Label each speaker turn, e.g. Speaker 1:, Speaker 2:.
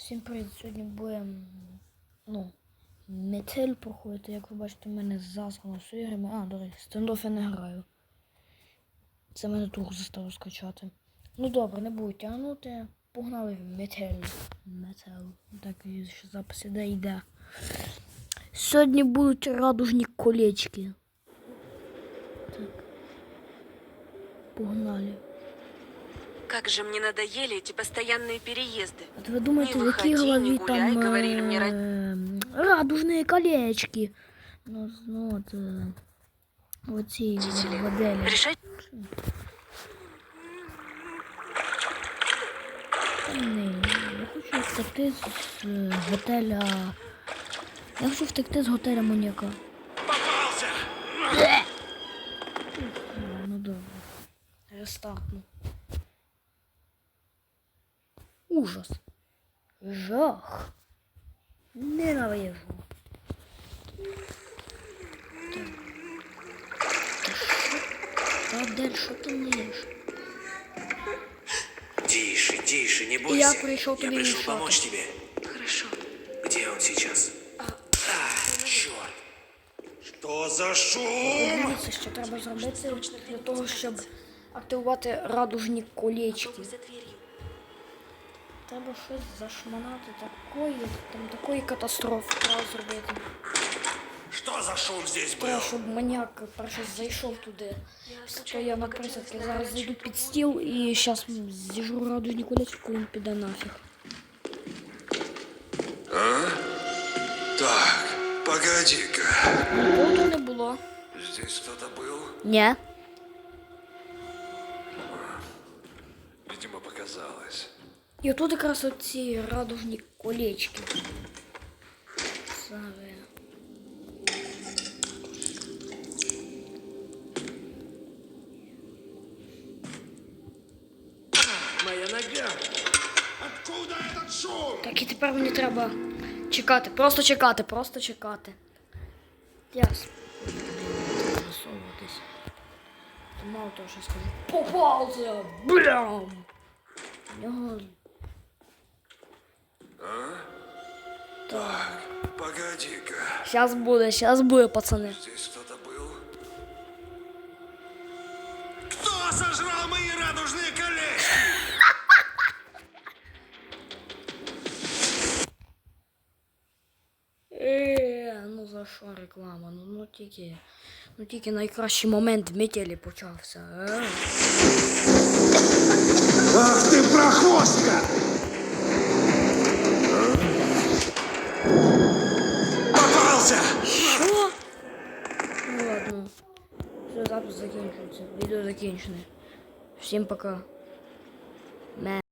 Speaker 1: Всім привіт! Сьогодні будемо, метель проходити. Як ви бачите, у мене заслано все іграми. До речі, стендоф я не граю. Це мене друг заставив скачати. Ну добре, не буду тягнути. Погнали в метель. Так, і ще запис йде. Сьогодні будуть радужні колечки. Так. Погнали.
Speaker 2: Как же мне надоели эти постоянные переезды.
Speaker 1: А ви думаєте,
Speaker 2: Не
Speaker 1: в якій
Speaker 2: выходи,
Speaker 1: голові
Speaker 2: не гуляй,
Speaker 1: там
Speaker 2: говорили мне
Speaker 1: радужні колечки? Оці
Speaker 2: родители.
Speaker 1: моделі.
Speaker 2: Решать?
Speaker 1: Я хочу втекти з готеля. Я хочу втекти з готеля Моніка.
Speaker 3: Попался!
Speaker 1: Ну добре. Рестартну. Ужас. Жах. Ненавижу. Адель, що ти ниш?
Speaker 3: Тише, тише, не бойся.
Speaker 1: Я пришел тебе
Speaker 3: пришел
Speaker 1: решать.
Speaker 3: помочь тебе.
Speaker 2: Хорошо.
Speaker 3: Где он сейчас? Черт. Что за шум?
Speaker 1: Дивіться, що треба зробити для того, щоб активувати радужні колечки.
Speaker 2: Попробуй за дверью.
Speaker 1: Треба щось зашманати такої катастрофи треба зробити.
Speaker 3: Что за шум здесь
Speaker 1: Треба,
Speaker 3: был?
Speaker 1: щоб маніяк перше зайшов туди. То я на присадки зараз зайду під стіл і зараз зіжру радужні колечки, коли він піде нафіг.
Speaker 3: Так, погоди-ка.
Speaker 1: Нікого не було.
Speaker 3: Здесь кто-то был?
Speaker 1: Ні.
Speaker 3: Видимо, показалось.
Speaker 1: І отут якраз оці радужні колечки. Саме.
Speaker 3: Моя нога. Откуда этот шум?
Speaker 1: Так, і тепер мені треба чекати. Просто чекати. Ясно. Засовуватись. Мало того, що скажу. Попався! Блям! У нього...
Speaker 3: Так, погоди-ка.
Speaker 1: Сейчас буде, пацани.
Speaker 3: Здесь кто-то был? Кто сожрал мои радужные колечки?
Speaker 1: Ну за що реклама? Ну тільки найкращий момент в метелі почався.
Speaker 3: Ах ты прохвостка! Попался!
Speaker 1: Що? Ну ладно. Все, запис закінчується. Відео закінчене. Всім пока.